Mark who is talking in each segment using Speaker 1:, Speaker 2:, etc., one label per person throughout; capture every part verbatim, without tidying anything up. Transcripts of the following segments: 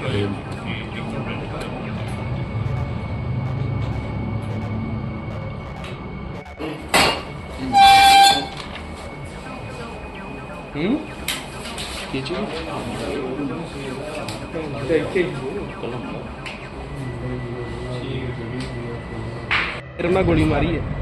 Speaker 1: हम्म ये चीज तेरे गोली मारी है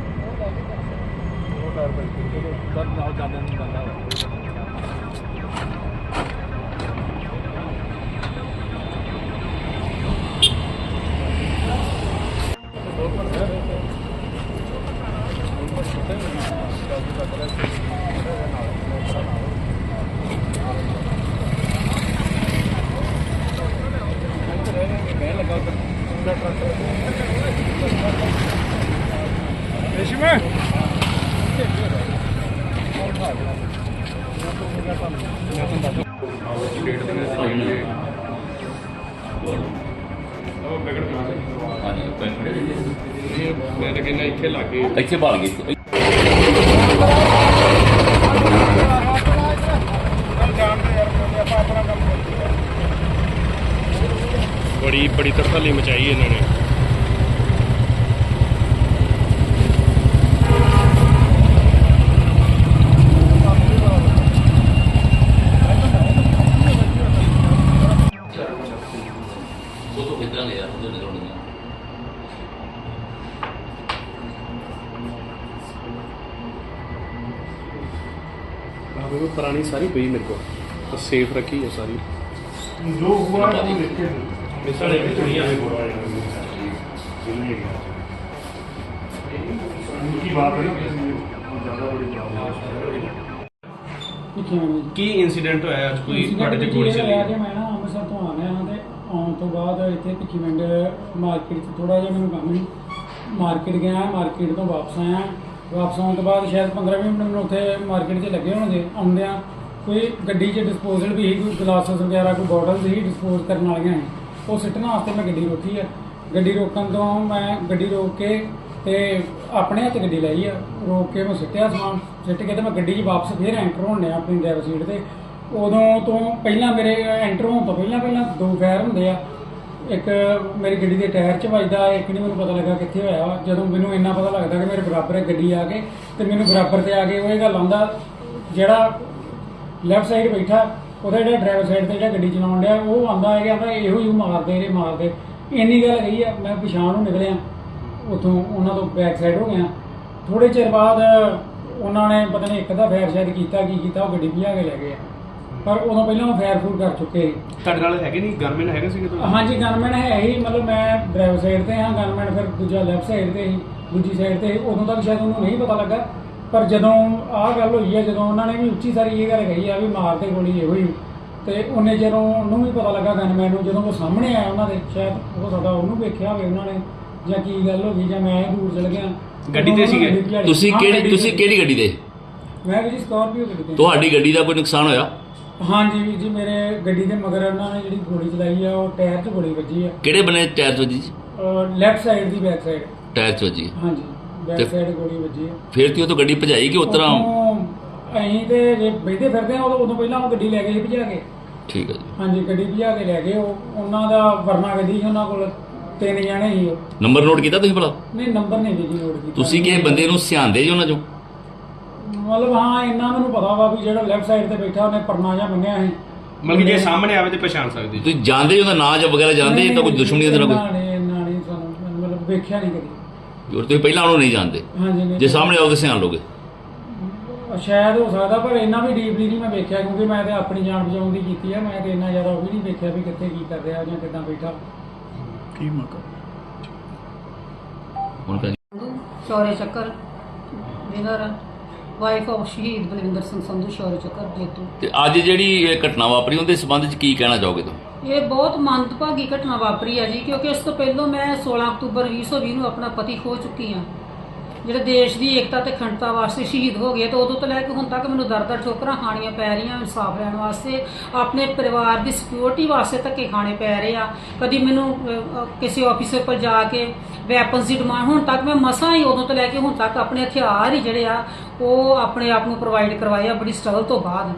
Speaker 1: मैं तो कहना इत्थे लागे इत्थे भाल गए बड़ी बड़ी तरसाली मचाई इन्होंने। पुरानी सारी पई मेरे को तो सेफ रखी है सारी जो हुआ मिसाल एक दुनिया में बोल रहा उनकी बात है ज्यादा बड़ी की इंसीडेंट होया आज कोई ਤੁਹਾਡੇ ਤੇ ਗੋਲੀ ਚੱਲੀ ਹੈ।
Speaker 2: ਮੈਂ ਨਾ ਅੰਮ੍ਰਿਤਸਰ ਤੋਂ ਆ ਰਿਹਾ ਹਾਂ ਤੇ ਆਉਣ ਤੋਂ ਬਾਅਦ ਇੱਥੇ ਭਿੱਖੀਵਿੰਡ ਮਾਰਕੀਟ 'ਚ ਥੋੜਾ ਜਿਹਾ ਮੈਨੂੰ ਕੰਮ ਸੀ, ਮਾਰਕੀਟ ਗਿਆ, ਮਾਰਕੀਟ ਤੋਂ ਵਾਪਸ ਆਇਆ। ਵਾਪਸ ਆਉਣ ਤੋਂ ਬਾਅਦ ਸ਼ਾਇਦ ਪੰਦਰਾਂ ਵੀਹ ਮਿੰਟ ਮੈਨੂੰ ਉੱਥੇ ਮਾਰਕੀਟ 'ਚ ਲੱਗੇ ਹੋਣਗੇ। ਆਉਂਦਿਆਂ ਕੋਈ ਗੱਡੀ 'ਚ ਡਿਸਪੋਜ਼ਲ ਵੀ ਸੀ, ਕੋਈ ਗਲਾਸਿਸ ਵਗੈਰਾ ਕੋਈ ਬੋਟਲ ਸੀ ਡਿਸਪੋਜ਼ ਕਰਨ ਵਾਲੀਆਂ ਸੀ, ਉਹ ਸਿੱਟਣ ਵਾਸਤੇ ਮੈਂ ਗੱਡੀ ਰੋਕੀ ਆ। ਗੱਡੀ ਰੋਕਣ ਤੋਂ ਮੈਂ ਗੱਡੀ ਰੋਕ ਕੇ ਤੇ ਆਪਣੇ ਹੱਥ ਗੱਡੀ ਲਈ ਆ, ਰੋਕ ਕੇ ਮੈਂ ਸਿੱਟਿਆ ਸਮਾਨ, ਸਿੱਟ ਕੇ ਤੇ ਮੈਂ ਗੱਡੀ 'ਚ ਵਾਪਸ ਫਿਰ ਐਂਟਰ ਹੋਣ ਡਿਆ ਆਪਣੀ ਡਰਾਈਵਰ ਸੀਟ 'ਤੇ। ਉਦੋਂ ਤੋਂ ਪਹਿਲਾਂ ਮੇਰੇ ਐਂਟਰ ਹੋਣ ਤੋਂ ਪਹਿਲਾਂ ਪਹਿਲਾਂ ਦੋ ਫਾਇਰ ਹੁੰਦੇ ਆ, ਇੱਕ ਮੇਰੀ ਗੱਡੀ ਦੇ ਟਾਇਰ 'ਚ ਵੱਜਦਾ, ਇੱਕ ਨਹੀਂ ਮੈਨੂੰ ਪਤਾ ਲੱਗਾ ਕਿੱਥੇ ਹੋਇਆ। ਜਦੋਂ ਮੈਨੂੰ ਇੰਨਾ ਪਤਾ ਲੱਗਦਾ ਕਿ ਮੇਰੇ ਬਰਾਬਰ ਹੈ ਗੱਡੀ ਆ ਕੇ ਤੇ ਮੈਨੂੰ ਬਰਾਬਰ 'ਤੇ ਆ ਕੇ ਉਹ ਇਹ ਗੱਲ ਆਉਂਦਾ, ਜਿਹੜਾ ਲੈਫਟ ਸਾਈਡ ਬੈਠਾ ਉਹਦਾ ਜਿਹੜਾ ਡਰਾਈਵਰ ਸਾਈਡ 'ਤੇ ਜਿਹੜਾ ਗੱਡੀ ਚਲਾਉਣ ਡਿਆ ਉਹ ਆਉਂਦਾ ਹੈ ਕਿ ਆਂਦਾ ਇਹੋ ਹੀ ਮਾਰਦੇ ਇਹ ਮਾਰਦੇ, ਇੰਨੀ ਗੱਲ ਕਹੀ ਆ। ਮੈਂ ਪਛਾਣ ਨੂੰ ਨਿਕਲਿਆ ਉੱਥੋਂ, ਉਹਨਾਂ ਤੋਂ ਬੈਕ ਸਾਈਡ ਹੋ ਗਿਆ। ਥੋੜ੍ਹੇ ਚਿਰ ਬਾਅਦ ਉਹਨਾਂ ਨੇ ਪਤਾ ਨਹੀਂ ਇੱਕ ਦਾ ਫਾਇਰ ਸ਼ਾਇਦ ਕੀਤਾ ਕੀ ਕੀਤਾ, ਉਹ ਗੱਡੀ ਭਜਾ ਕੇ ਲੈ ਗਏ ਆ, ਪਰ ਉਦੋਂ ਪਹਿਲਾਂ ਉਹ ਫਾਇਰ ਫੂਰ ਕਰ ਚੁੱਕੇ ਸੀ।
Speaker 1: ਤੁਹਾਡੇ ਨਾਲ ਹੈਗੇ ਨਹੀਂ ਗਨਮੈਨ ਹੈਗੇ ਸੀਗੇ?
Speaker 2: ਹਾਂਜੀ ਗਨਮੈਨ ਹੈ ਹੀ, ਮਤਲਬ ਮੈਂ ਡਰਾਈਵਰ ਸਾਈਡ 'ਤੇ ਹਾਂ, ਗਨਮੈਨ ਫਿਰ ਦੂਜਾ ਲੈਫਟ ਸਾਈਡ 'ਤੇ ਸੀ, ਦੂਜੀ ਸਾਈਡ 'ਤੇ। ਉਦੋਂ ਤੱਕ ਸ਼ਾਇਦ ਉਹਨੂੰ ਨਹੀਂ ਪਤਾ ਲੱਗਾ, ਪਰ ਜਦੋਂ ਆਹ ਗੱਲ ਹੋਈ ਹੈ, ਜਦੋਂ ਉਹਨਾਂ ਨੇ ਵੀ ਉੱਚੀ ਸਾਰੀ ਇਹ ਗੱਲ ਕਹੀ ਆ ਵੀ ਮਾਰਦੇ ਗੋਲੀ ਇਹੋ ਹੀ, ਤੇ ਉਹਨੇ ਜਦੋਂ ਉਹਨੂੰ ਵੀ ਪਤਾ ਲੱਗਾ ਗਨਮੈਨ ਨੂੰ, ਜਦੋਂ ਉਹ ਸਾਹਮਣੇ ਆਇਆ ਉਹਨਾਂ ਦੇ, ਸ਼ਾਇਦ ਉਹ ਸਾਡਾ ਉਹਨੂੰ ਵੇਖਿਆ ਹੋਵੇ ਉਹਨਾਂ ਨੇ, ਜਾਂ ਕੀ ਗੱਲ ਹੋ ਗਈ, ਜਾਂ ਮੈਂ ਦੂਰ ਚਲ ਗਿਆ।
Speaker 1: ਗੱਡੀ ਤੇ ਸੀਗੇ
Speaker 3: ਤੁਸੀਂ? ਕਿਹੜੀ ਤੁਸੀਂ ਕਿਹੜੀ ਗੱਡੀ ਤੇ?
Speaker 2: ਮੈਂ ਵੀ ਜੀ ਸਕਾਰਪੀਓ ਗੱਡੀ ਤੇ।
Speaker 3: ਤੁਹਾਡੀ ਗੱਡੀ ਦਾ ਕੋਈ ਨੁਕਸਾਨ ਹੋਇਆ?
Speaker 2: ਹਾਂਜੀ ਵੀਰ ਜੀ, ਮੇਰੇ ਗੱਡੀ ਦੇ ਮਗਰ ਉਹਨਾਂ ਨੇ ਜਿਹੜੀ ਗੋਲੀ ਚਲਾਈ ਆ, ਉਹ ਟਾਇਰ 'ਚ ਗੋਲੀ ਵੱਜੀ ਆ।
Speaker 3: ਕਿਹੜੇ ਬਨੇ ਟਾਇਰ 'ਚ ਵੱਜੀ?
Speaker 2: ਲੈਫਟ ਸਾਈਡ ਦੀ ਬੈਕ ਸਾਈਡ
Speaker 3: ਟਾਇਰ 'ਚ ਵੱਜੀ?
Speaker 2: ਹਾਂਜੀ ਬੈਕ ਸਾਈਡ ਗੋਲੀ ਵੱਜੀ ਆ।
Speaker 3: ਫਿਰ ਤੇ ਉਹ ਤੋਂ ਗੱਡੀ ਭਜਾਈ ਕਿ ਉਤਰਾ?
Speaker 2: ਅਸੀਂ ਤੇ ਜੇ ਬੈਠੇ ਫਿਰਦੇ ਆ, ਉਦੋਂ ਪਹਿਲਾਂ ਉਹ ਗੱਡੀ ਲੈ ਗਏ ਭਜਾ ਕੇ।
Speaker 3: ਠੀਕ ਹੈ ਜੀ।
Speaker 2: ਹਾਂਜੀ ਗੱਡੀ ਭਜਾ ਕੇ ਲੈ ਗਏ। ਉਹ ਉਹਨਾਂ ਦਾ ਵਰਨਾ ਗੱਡੀ ਸੀ, ਉਹਨਾਂ ਕੋਲ ਤਿੰਨ ਜਾਣੇ ਸੀ। ਉਹ
Speaker 3: ਨੰਬਰ ਨੋਟ ਕੀਤਾ ਤੁਸੀਂ ਭਲਾ?
Speaker 2: ਨਹੀਂ ਨੰਬਰ ਨਹੀਂ ਜੀ ਨੋਟ ਕੀਤਾ।
Speaker 3: ਤੁਸੀਂ ਕਿਸੇ ਬੰਦੇ ਨੂੰ ਸਿਆਂਦੇ ਜੀ ਉਹਨਾਂ ਚੋਂ?
Speaker 2: ਮਤਲਬ ਹਾਂ ਇੰਨਾ ਮੈਨੂੰ ਪਤਾ ਵਾ ਵੀ ਜਿਹੜਾ ਲੈਫਟ ਸਾਈਡ ਤੇ ਬੈਠਾ ਉਹਨੇ ਪਰਨਾ ਜਿਹਾ ਬੰਨਿਆ ਸੀ।
Speaker 1: ਮਤਲਬ ਜੇ ਸਾਹਮਣੇ ਆਵੇ ਤੇ ਪਛਾਣ ਸਕਦੇ
Speaker 3: ਤੁਸੀਂ ਜਾਣਦੇ ਉਹਦਾ ਨਾਂ ਜਾਂ ਵਗੈਰਾ ਜਾਣਦੇ ਤਾਂ ਕੋਈ ਦੁਸ਼ਮਣੀ ਦਾ ਕੋਈ?
Speaker 2: ਨਹੀਂ ਇੰਨਾ ਨਹੀਂ ਸਾਨੂੰ, ਮਤਲਬ ਵੇਖਿਆ ਨਹੀਂ ਕਦੀ।
Speaker 3: ਹੋਰ ਤੁਸੀਂ ਪਹਿਲਾਂ ਉਹਨੂੰ ਨਹੀਂ ਜਾਣਦੇ?
Speaker 2: ਹਾਂਜੀ ਨਹੀਂ।
Speaker 3: ਜੇ ਸਾਹਮਣੇ ਆਓਗੇ ਸਿਆਣ ਲੋਗੇ?
Speaker 2: ਸ਼ਾਇਦ ਹੋ ਸਕਦਾ, ਪਰ ਇੰਨਾ ਵੀ ਡੀਪਲੀ ਨਹੀਂ ਮੈਂ ਵੇਖਿਆ, ਕਿਉਂਕਿ ਮੈਂ ਤੇ ਆਪਣੀ ਜਾਨ ਬਚਾਉਣ ਦੀ ਕੀਤੀ ਆ। ਮੈਂ ਤੇ ਇੰਨਾ ਜ਼ਿਆਦਾ ਉਹ ਵੀ ਨਹੀਂ ਵੇਖਿਆ ਵੀ ਕਿੱਥੇ ਕੀ ਕਰ ਰਿਹਾ ਜਾਂ ਕਿੱਦਾਂ ਬੈਠਾ।
Speaker 1: ਕੀ ਮੌਕਾ
Speaker 3: ਹੁਣ ਤਾਂ
Speaker 4: ਸ਼ੌਰਯ ਚੱਕਰ ਵਿਨਰ ਵਾਈਫ ਆਫ ਸ਼ਹੀਦ ਬਲਵਿੰਦਰ ਸਿੰਘ ਸੰਧੂ, ਸ਼ੌਰਯ ਚੱਕਰ ਜੇਤੂ।
Speaker 3: ਤੇ ਅੱਜ ਜਿਹੜੀ ਇਹ ਘਟਨਾ ਵਾਪਰੀ ਉਹਦੇ ਸੰਬੰਧ ਵਿੱਚ ਕੀ ਕਹਿਣਾ ਚਾਹੋਗੇ ਤੁਸੀਂ?
Speaker 4: ਇਹ ਬਹੁਤ ਮੰਦਭਾਗੀ ਘਟਨਾ ਵਾਪਰੀ ਹੈ ਜੀ, ਕਿਉਂਕਿ ਇਸ ਤੋਂ ਪਹਿਲਾਂ ਮੈਂ ਸੋਲਾਂ ਅਕਤੂਬਰ ਵੀਹ ਸੌ ਵੀਹ ਨੂੰ ਆਪਣਾ ਪਤੀ ਖੋ ਚੁੱਕੀ ਹਾਂ, ਜਿਹੜੇ ਦੇਸ਼ ਦੀ ਏਕਤਾ ਤੇ ਅਖੰਡਤਾ ਵਾਸਤੇ ਸ਼ਹੀਦ ਹੋ ਗਏ। ਤੇ ਉਦੋਂ ਤੋਂ ਲੈ ਕੇ ਹੁਣ ਤੱਕ ਮੈਨੂੰ ਦਰ ਦਰ ਠੋਕਰਾਂ ਖਾਣੀਆਂ ਪੈ ਰਹੀਆਂ ਇਨਸਾਫ ਲੈਣ ਵਾਸਤੇ, ਆਪਣੇ ਪਰਿਵਾਰ ਦੀ ਸਿਕਿਉਰਿਟੀ ਵਾਸਤੇ ਧੱਕੇ ਖਾਣੇ ਪੈ ਰਹੇ ਆ। ਕਦੀ ਮੈਨੂੰ ਕਿਸੇ ਆਫਿਸਰ ਕੋਲ ਜਾ ਕੇ ਵੈਪਨਸ ਦੀ ਡਿਮਾਂਡ, ਹੁਣ ਤੱਕ ਮੈਂ ਮਸਾਂ ਹੀ ਉਦੋਂ ਤੋਂ ਲੈ ਕੇ ਹੁਣ ਤੱਕ ਆਪਣੇ ਹਥਿਆਰ ਹੀ ਜਿਹੜੇ ਆ ਉਹ ਆਪਣੇ ਆਪ ਨੂੰ ਪ੍ਰੋਵਾਈਡ ਕਰਵਾਏ ਆ, ਬੜੀ ਸਟਰਗਲ ਤੋਂ ਬਾਅਦ।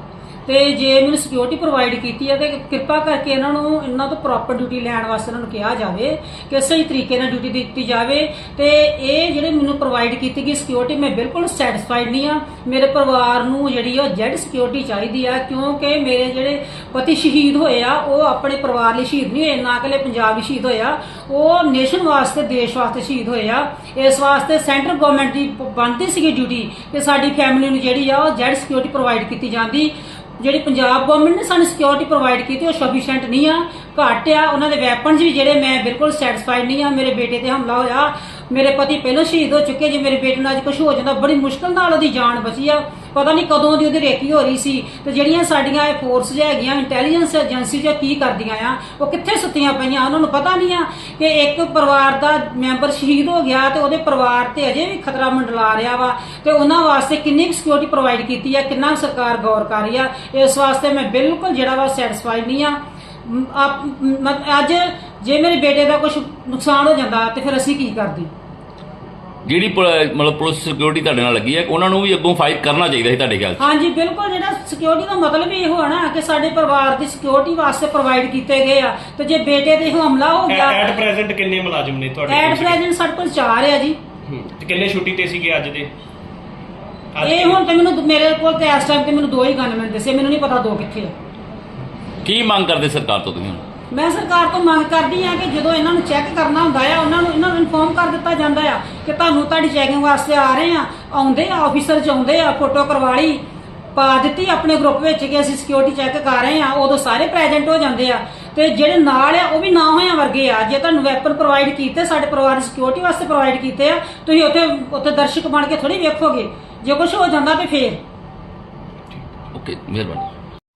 Speaker 4: ਤੇ ਜੇ ਮੈਨੂੰ ਸਿਕਿਉਰਿਟੀ ਪ੍ਰੋਵਾਈਡ ਕੀਤੀ ਹੈ ਤੇ ਕਿਰਪਾ ਕਰਕੇ ਇਹਨਾਂ ਨੂੰ ਇਹਨਾਂ ਤੋਂ ਪ੍ਰੋਪਰ ਡਿਊਟੀ ਲੈਣ ਵਾਸਤੇ ਇਹਨਾਂ ਨੂੰ ਕਿਹਾ ਜਾਵੇ ਕਿ ਸਹੀ ਤਰੀਕੇ ਨਾਲ ਡਿਊਟੀ ਦਿੱਤੀ ਜਾਵੇ। ਤੇ ਇਹ ਜਿਹੜੇ ਮੈਨੂੰ ਪ੍ਰੋਵਾਈਡ ਕੀਤੀ ਗਈ ਸਿਕਿਉਰਿਟੀ ਮੈਂ ਬਿਲਕੁਲ ਸੈਟੀਸਫਾਈਡ ਨਹੀਂ ਆ। ਮੇਰੇ ਪਰਿਵਾਰ ਨੂੰ ਜਿਹੜੀ ਉਹ ਜੈਡ ਸਿਕਿਉਰਿਟੀ ਚਾਹੀਦੀ ਆ, ਕਿਉਂਕਿ ਮੇਰੇ ਜਿਹੜੇ ਪਤੀ ਸ਼ਹੀਦ ਹੋਏ ਆ ਉਹ ਆਪਣੇ ਪਰਿਵਾਰ ਲਈ ਸ਼ਹੀਦ ਨਹੀਂ ਹੋਏ, ਨਾ ਕਿ ਪੰਜਾਬ ਲਈ ਸ਼ਹੀਦ ਹੋਇਆ, ਉਹ ਨੇਸ਼ਨ ਵਾਸਤੇ ਦੇਸ਼ ਵਾਸਤੇ ਸ਼ਹੀਦ ਹੋਏ ਆ। ਇਸ ਵਾਸਤੇ ਸੈਂਟਰ ਗਵਰਨਮੈਂਟ ਦੀ ਬਣਦੀ ਸੀਗੀ ਡਿਊਟੀ ਕਿ ਸਾਡੀ ਫੈਮਿਲੀ ਨੂੰ ਜਿਹੜੀ ਆ ਉਹ ਜੈਡ ਸਿਕਿਉਰਿਟੀ ਪ੍ਰੋਵਾਈਡ ਕੀਤੀ ਜਾਂਦੀ। ਜਿਹੜੀ ਪੰਜਾਬ ਗਵਰਨਮੈਂਟ ਨੇ ਸਾਨੂੰ ਸਿਕਿਉਰਿਟੀ ਪ੍ਰੋਵਾਈਡ ਕੀਤੀ ਉਹ ਸਫੀਸ਼ੀਐਂਟ ਨਹੀਂ ਆ, ਘੱਟ ਆ। ਉਹਨਾਂ ਦੇ ਵੈਪਨਸ ਵੀ ਜਿਹੜੇ ਮੈਂ ਬਿਲਕੁਲ ਸੈਟੀਸਫਾਈਡ ਨਹੀਂ ਆ। ਮੇਰੇ ਬੇਟੇ ਤੇ ਹਮਲਾ ਹੋਇਆ, ਮੇਰੇ ਪਤੀ ਪਹਿਲਾਂ ਸ਼ਹੀਦ ਹੋ ਚੁੱਕੇ, ਜੇ ਮੇਰੇ ਬੇਟੇ ਨਾਲ ਅੱਜ ਕੁਝ ਹੋ ਜਾਂਦਾ ਬੜੀ ਮੁਸ਼ਕਲ ਨਾਲ ਉਹਦੀ ਜਾਨ ਬਚੀ ਆ। ਪਤਾ ਨਹੀਂ ਕਦੋਂ ਦੀ ਉਹਦੀ ਰੇਕੀ ਹੋ ਰਹੀ ਸੀ। ਤੇ ਜਿਹੜੀਆਂ ਸਾਡੀਆਂ ਇਹ ਫੋਰਸ ਹੈਗੀਆਂ ਇੰਟੈਲੀਜੈਂਸ ਏਜੰਸੀ ਜੋ ਕੀ ਕਰਦੀਆਂ ਆ, ਉਹ ਕਿੱਥੇ ਸੁੱਤੀਆਂ ਪਈਆਂ, ਉਹਨਾਂ ਨੂੰ ਪਤਾ ਨਹੀਂ ਆ ਕਿ ਇੱਕ ਪਰਿਵਾਰ ਦਾ ਮੈਂਬਰ ਸ਼ਹੀਦ ਹੋ ਗਿਆ ਤੇ ਉਹਦੇ ਪਰਿਵਾਰ ਤੇ ਅਜੇ ਵੀ ਖਤਰਾ ਮੰਡਲਾ ਰਿਹਾ ਵਾ, ਤੇ ਉਹਨਾਂ ਵਾਸਤੇ ਕਿੰਨੀ ਕੁ ਸਿਕਿਉਰਿਟੀ ਪ੍ਰੋਵਾਈਡ ਕੀਤੀ ਆ, ਕਿੰਨਾ ਸਰਕਾਰ ਗੌਰ ਕਰ ਰਹੀ ਆ। ਇਸ ਵਾਸਤੇ ਮੈਂ ਬਿਲਕੁਲ ਜਿਹੜਾ ਵਾ ਸੈਟੀਸਫਾਈਡ ਨਹੀਂ ਆ। ਮ- ਆਪ- ਮ- ਅੱਜ ਜੇ ਮੇਰੇ ਬੇਟੇ ਦਾ ਕੁਝ ਨੁਕਸਾਨ ਹੋ ਜਾਂਦਾ ਤੇ ਫਿਰ ਅਸੀਂ ਕੀ ਕਰਦੇ?
Speaker 3: ਜਿਹੜੀ ਪੁਲ- ਮਤਲਬ ਪੁਲਿਸ ਸਿਕਿਉਰਿਟੀ ਤੁਹਾਡੇ ਨਾਲ ਲੱਗੀ ਹੈ ਉਹਨਾਂ ਨੂੰ ਵੀ ਅੱਗੋਂ ਫਾਈਟ ਕਰਨਾ ਚਾਹੀਦਾ ਸੀ ਤੁਹਾਡੇ ਖਿਆਲ 'ਚ।
Speaker 4: ਹਾਂਜੀ ਬਿਲਕੁਲ, ਜਿਹੜਾ ਸਿਕਿਉਰਿਟੀ ਦਾ ਮਤਲਬ ਹੀ ਇਹੋ ਹੈ ਨਾ ਕਿ ਸਾਡੇ ਪਰਿਵਾਰ ਦੀ ਸਿਕਿਉਰਿਟੀ ਵਾਸਤੇ ਪ੍ਰੋਵਾਈਡ ਕੀਤੇ ਗਏ ਆ। ਤੇ ਜੇ ਬੇਟੇ ਤੇ ਹਮਲਾ ਹੋ ਗਿਆ,
Speaker 1: ਐਟ ਪ੍ਰੈਜ਼ੈਂਟ ਕਿੰਨੇ ਮੁਲਾਜ਼ਮ ਨੇ ਤੁਹਾਡੇ
Speaker 4: ਐਟ
Speaker 1: ਕੋਲ ਸੀਗੇ?
Speaker 4: ਪ੍ਰੈਜ਼ੈਂਟ ਸਾਡੇ ਕੋਲ ਚਾਰ ਆ ਜੀ।
Speaker 1: ਹੂੰ, ਤੇ ਕਿੰਨੇ ਛੁੱਟੀ ਤੇ ਸੀਗੇ ਅੱਜ ਦੇ? ਅੱਜ
Speaker 4: ਇਹ
Speaker 1: ਕਿੰਨੇ?
Speaker 4: ਹੁਣ ਤੇ ਮੈਨੂੰ ਮੇਰੇ ਕੋਲ ਤੇ ਇਸ ਟਾਈਮ ਤੇ ਮੈਨੂੰ ਦੋ ਹੀ ਗਨਮੈਨ ਦਿਸੇ, ਮੈਨੂੰ ਨਹੀਂ ਪਤਾ ਦੋ ਕਿੱਥੇ ਆ।
Speaker 3: ਕੀ ਮੰਗ ਕਰਦੇ ਸਰਕਾਰ ਤੋਂ ਤੁਸੀਂ ਹੁਣ?
Speaker 4: ਮੈਂ ਸਰਕਾਰ ਤੋਂ ਮੰਗ ਕਰਦੀ ਆ ਕਿ ਜਦੋਂ ਇਹਨਾਂ ਨੂੰ ਚੈੱਕ ਕਰਨਾ ਹੁੰਦਾ ਆ, ਉਹਨਾਂ ਨੂੰ ਇਹਨਾਂ ਨੂੰ ਇਨਫੋਰਮ ਕਰ ਦਿੱਤਾ ਜਾਂਦਾ ਆ ਕਿ ਤੁਹਾਨੂੰ ਤੁਹਾਡੀ ਚੈਕਿੰਗ ਵਾਸਤੇ ਆ ਰਹੇ ਆ, ਆਉਂਦੇ ਆ ਆਫੀਸਰ ਚ ਆਉਂਦੇ ਆ, ਫੋਟੋ ਕਰਵਾ ਲਈ, ਪਾ ਦਿੱਤੀ ਆਪਣੇ ਗਰੁੱਪ ਵਿੱਚ ਕਿ ਅਸੀਂ ਸਿਕਿਉਰਿਟੀ ਚੈੱਕ ਕਰ ਰਹੇ ਆ, ਉਦੋਂ ਸਾਰੇ ਪ੍ਰੈਜ਼ੈਂਟ ਹੋ ਜਾਂਦੇ ਆ। ਤੇ ਜਿਹੜੇ ਨਾਲ ਆ ਉਹ ਵੀ ਨਾ ਹੋਇਆ ਵਰਗੇ ਆ। ਜੇ ਤੁਹਾਨੂੰ ਵੈਪਨ ਪ੍ਰੋਵਾਈਡ ਕੀਤੇ, ਸਾਡੇ ਪਰਿਵਾਰ ਦੀ ਸਿਕਿਉਰਿਟੀ ਵਾਸਤੇ ਪ੍ਰੋਵਾਈਡ ਕੀਤੇ ਆ, ਤੁਸੀਂ ਉੱਥੇ ਉੱਥੇ ਦਰਸ਼ਕ ਬਣ ਕੇ ਥੋੜੀ ਵੇਖੋਗੇ। ਜੇ ਕੁਝ ਹੋ ਜਾਂਦਾ ਤੇ ਫੇਰ
Speaker 3: ਓਕੇ, ਮਿਹਰਬਾਨੀ।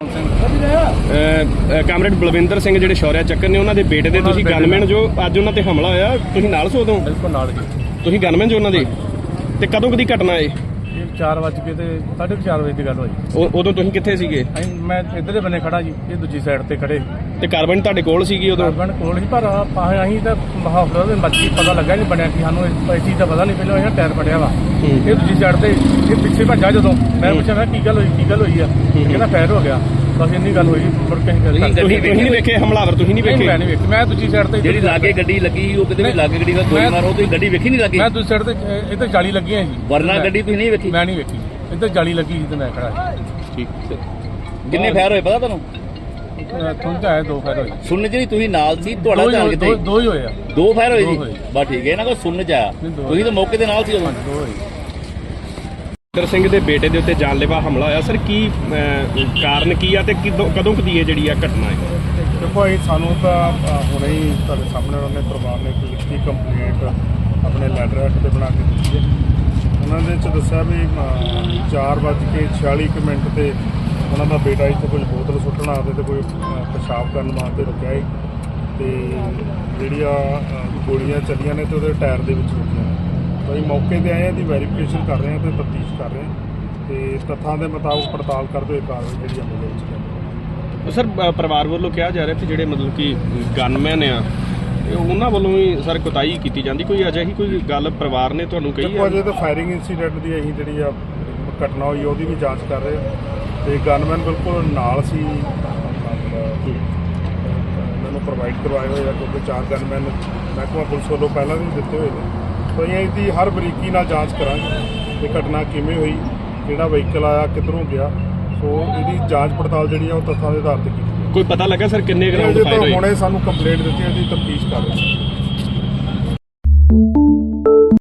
Speaker 1: ਕਾਮਰੇਡ ਬਲਵਿੰਦਰ ਸਿੰਘ ਜਿਹੜੇ ਸ਼ੌਰਿਆ ਚੱਕਰ ਨੇ ਉਹਨਾਂ ਦੇ ਬੇਟੇ ਦੇ ਤੁਸੀਂ ਗਨਮੈਨ ਜੋ ਅੱਜ ਉਹਨਾਂ ਤੇ ਹਮਲਾ ਹੋਇਆ, ਤੁਸੀਂ ਨਾਲ ਸੋ ਉਦੋਂ?
Speaker 5: ਬਿਲਕੁਲ ਨਾਲ ਜੀ।
Speaker 1: ਤੁਸੀਂ ਗਨਮੈਨ ਜੋ ਉਹਨਾਂ ਦੇ? ਤੇ ਕਦੋਂ ਕਦੀ ਘਟਨਾ ਏ?
Speaker 5: ਇਹ ਚਾਰ ਵੱਜ ਕੇ ਤੇ ਸਾਢੇ ਕੁ ਚਾਰ ਵਜੇ ਦੀ ਗੱਲ ਹੋਈ।
Speaker 1: ਉਹ- ਉਦੋਂ ਤੁਸੀਂ ਕਿੱਥੇ ਸੀਗੇ?
Speaker 5: ਅਸੀਂ ਮੈਂ ਇੱਧਰਲੇ ਬੰਨੇ ਖੜਾ ਜੀ, ਇਹ ਦੂਜੀ ਸਾਈਡ ਤੇ ਖੜੇ।
Speaker 1: ਤੇ ਕਾਰਬਨ ਤੁਹਾਡੇ ਕੋਲ ਸੀਗੀ ਉਦੋਂ?
Speaker 5: ਕਾਰਬਨ ਕੋਲ ਹੀ, ਪਰ ਆਪਾਂ ਅਸੀਂ ਤਾਂ ਹਸਪਤਾਲ ਦੇ ਮੱਛੀ ਪਤਾ ਲੱਗਾ ਨਹੀਂ ਬਣਿਆ ਕਿ ਸਾਨੂੰ ਇਸ ਇਸ ਚੀਜ਼ ਦਾ ਪਤਾ ਨਹੀਂ। ਪਹਿਲਾਂ ਇਹ ਟਾਇਰ ਫਟਿਆ ਵਾ, ਇਹ ਦੂਜੀ ਸਾਈਡ ਤੇ ਇਹ ਪਿੱਛੇ ਭੱਜਾ। ਜਦੋਂ ਮੈਂ ਪੁੱਛਿਆ ਮੈਂ ਕੀ ਗੱਲ ਹੋਈ ਕੀ ਗੱਲ ਹੋਈ ਆ, ਕਹਿੰਦਾ ਫਾਇਰ ਹੋ ਗਿਆ। ਬਸ ਇੰਨੀ ਗੱਲ ਹੋਈ, ਮੁੜ ਕੇ ਅਸੀਂ ਗੱਲ
Speaker 3: ਤੁਸੀਂ-
Speaker 1: ਤੁਸੀਂ ਤੁਸੀਂ ਨਹੀਂ ਵੇਖੇ ਹਮਲਾਵਰ? ਤੁਸੀਂ ਨਹੀਂ
Speaker 5: ਨਹੀਂ,
Speaker 1: ਵੇਖੇ?
Speaker 5: ਮੈਂ ਨਹੀਂ ਵੇਖੀ। ਮੈਂ ਦੂਜੀ ਸਾਈਡ ਤੇ
Speaker 3: ਜਿਹੜੀ ਲਾਗੇ ਗੱਡੀ ਲੱਗੀ ਉਹ ਕਿਤੇ ਵੀ ਲਾਗੇ ਗੱਡੀ ਦਾ ਗੋਲੀ
Speaker 5: ਮੈਂ-
Speaker 3: ਮਾਰੋ, ਤੁਸੀਂ ਗੱਡੀ ਵੇਖੀ ਨਹੀਂ ਲੱਗੀ?
Speaker 5: ਮੈਂ ਦੂਜੀ ਸਾਈਡ ਤੇ ਅਹ, ਇੱਧਰ ਜਾਲੀ ਲੱਗੀਆਂ ਜੀ।
Speaker 3: ਵਰਨਾ
Speaker 5: ਮੈਂ-
Speaker 3: ਗੱਡੀ ਤੁਸੀਂ ਨਹੀਂ ਵੇਖੀ?
Speaker 5: ਮੈਂ ਨਹੀਂ ਵੇਖੀ, ਇੱਧਰ ਜਾਲੀ ਲੱਗੀ ਸੀ ਤੇ ਮੈਂ ਖੜਾ
Speaker 1: ਠੀਕ।
Speaker 3: ਕਿੰਨੇ ਫਾਇਰ ਹੋਏ ਪਤਾ ਤੁਹਾਨੂੰ?
Speaker 5: ਤੁਹਾਨੂੰ ਤਾਂ ਆਇਆ ਦੋ ਫਾਇਰ ਹੋਏ।
Speaker 3: ਸੁਣਨ ਚ ਨਹੀਂ, ਤੁਸੀਂ ਨਾਲ ਸੀ, ਤੁਹਾਡਾ
Speaker 5: ਦੋ ਹੀ
Speaker 3: ਧਿਆਨ
Speaker 5: ਹੋਏ-
Speaker 3: ਕਿੱਥੇ?
Speaker 5: ਦੋ- ਦੋ ਹੀ ਹੋਏ ਆ।
Speaker 3: ਦੋ ਫਾਇਰ ਹੋਏ
Speaker 5: ਦੋ
Speaker 3: ਜੀ?
Speaker 5: ਹੋਏ।
Speaker 3: ਬਸ ਠੀਕ ਹੈ, ਇਹਨਾਂ ਕੋਲ ਸੁਣਨ ਚ ਆਇਆ,
Speaker 5: ਨਹੀਂ, ਦੋ
Speaker 3: ਤੁਸੀਂ ਤਾਂ ਮੌਕੇ ਦੇ ਨਾਲ ਸੀ ਉਦੋਂ।
Speaker 5: ਦੋ ਹੋਏ।
Speaker 1: ਬਲਵਿੰਦਰ ਸਿੰਘ ਦੇ ਬੇਟੇ ਦੇ ਉੱਤੇ ਜਾਨਲੇਵਾ ਹਮਲਾ ਹੋਇਆ ਸਰ, ਕੀ ਅਹ, ਕਾਰਨ ਕੀ ਆ ਤੇ ਕਿਦੋਂ ਕਦੋਂ ਕਦੀ ਇਹ ਜਿਹੜੀ ਆ ਘਟਨਾ ਹੈ?
Speaker 6: ਦੇਖੋ ਇਹ ਸਾਨੂੰ ਤਾਂ ਅ, ਹੁਣੇ ਹੀ ਤੁਹਾਡੇ ਸਾਹਮਣੇ ਉਹਨਾਂ ਨੇ ਪਰਿਵਾਰ ਨੇ ਇੱਕ ਲਿਖਤੀ ਕੰਪਲੇਂਟ ਆਪਣੇ ਲੈਟਰ ਹੈਡ ਤੇ ਬਣਾ ਕੇ ਦਿੱਤੀ ਹੈ। ਉਹਨਾਂ ਦੇ ਚ ਦੱਸਿਆ ਵੀ ਅ, ਚਾਰ ਵੱਜ ਕੇ ਛਿਆਲੀ ਕੁ ਮਿੰਟ ਤੇ ਉਹਨਾਂ ਦਾ ਬੇਟਾ ਇੱਥੇ ਕੋਈ ਬੋਤਲ ਸੁੱਟਣ ਆਦੇ ਤੇ ਕੋਈ ਅ, ਪਿਸ਼ਾਬ ਕਰਨ ਵਾਸਤੇ ਰੁਕਿਆ ਹੈ ਤੇ ਜਿਹੜੀਆਂ ਅ, ਗੋਲੀਆਂ ਚੱਲੀਆਂ ਨੇ ਤੇ ਉਹਦੇ ਟਾਇਰ ਦੇ ਵਿੱਚ ਰੁਕੀਆਂ ਨੇ। ਤਾਂ ਅਸੀਂ ਮੌਕੇ ਤੇ ਆਏ ਹਾਂ, ਦੀ ਵੈਰੀਫਿਕੇਸ਼ਨ ਕਰ ਰਹੇ ਹਾਂ ਤੇ ਤਫਤੀਸ਼ ਕਰ ਰਹੇ ਹਾਂ ਤੇ ਤੱਥਾਂ ਦੇ ਮੁਤਾਬਕ ਪੜਤਾਲ ਕਰਦੇ ਹੋਏ ਕਾਰਵਾਈ ਜਿਹੜੀ ਅਮਲ ਦੇ ਵਿੱਚ ਲਿਆਂਦੀ।
Speaker 1: ਸਰ ਅ, ਪਰਿਵਾਰ ਵੱਲੋਂ ਕਿਹਾ ਜਾ ਰਿਹਾ ਕਿ ਜਿਹੜੇ ਮਤਲਬ ਕਿ ਗਨਮੈਨ ਆ ਇਹ ਉਹਨਾਂ ਵੱਲੋਂ ਵੀ ਸਰ ਕੁਤਾਹੀ ਕੀਤੀ ਜਾਂਦੀ, ਕੋਈ ਅਜਿਹੀ ਕੋਈ ਗੱਲ ਪਰਿਵਾਰ ਨੇ ਤੁਹਾਨੂੰ ਕਹੀ
Speaker 6: ਦੇਖੋ
Speaker 1: ਹੈ?
Speaker 6: ਅਜੇ ਤਾਂ ਫਾਇਰਿੰਗ ਇਨਸੀਡੈਂਟ ਦੀ ਅਸੀਂ ਜਿਹੜੀ ਆ ਘਟਨਾ ਹੋਈ ਉਹਦੀ ਵੀ ਜਾਂਚ ਕਰ ਰਹੇ ਹਾਂ ਤੇ ਗਨਮੈਨ ਬਿਲਕੁਲ ਨਾਲ ਸੀ, ਮਤਲਬ ਇਹਨਾਂ ਨੂੰ ਪ੍ਰੋਵਾਈਡ ਕਰਵਾਏ ਹੋਏ ਆ ਕਿਉਂਕਿ ਚਾਰ ਗਨਮੈਨ ਮਹਿਕਮਾ ਪੁਲਿਸ ਵੱਲੋਂ ਪਹਿਲਾਂ ਵੀ ਦਿੱਤੇ ਹੋਏ ਨੇ। ਤਾਂ ਅਸੀਂ ਇਹਦੀ ਹਰ ਬਰੀਕੀ ਨਾਲ ਜਾਂਚ ਕਰਾਂਗੇ ਕਿ ਘਟਨਾ ਕਿਵੇਂ ਹੋਈ, ਕਿਹੜਾ ਵਹੀਕਲ ਆਇਆ, ਕਿੱਧਰੋਂ ਗਿਆ। ਸੋ ਇਹਦੀ ਜਾਂਚ ਪੜਤਾਲ ਜਿਹੜੀ ਆ ਉਹ ਤੱਥਾਂ ਦੇ ਆਧਾਰ ਤੇ ਕੀਤੀ
Speaker 1: ਕੋਈ ਪਤਾ ਲੱਗਾ ਸਰ ਕਿੰਨੇ
Speaker 6: ਹੈ।
Speaker 1: ਗਰਾਊਂਡ
Speaker 6: ਅਜੇ
Speaker 1: ਫਾਇਰ
Speaker 6: ਤਾਂ
Speaker 1: ਹੋਏ?
Speaker 6: ਹੁਣੇ ਸਾਨੂੰ ਕੰਪਲੇਂਟ ਦਿੱਤੀ, ਇਹਦੀ ਤਫਤੀਸ਼ ਕਰ ਰਹੇ ਹਾਂ।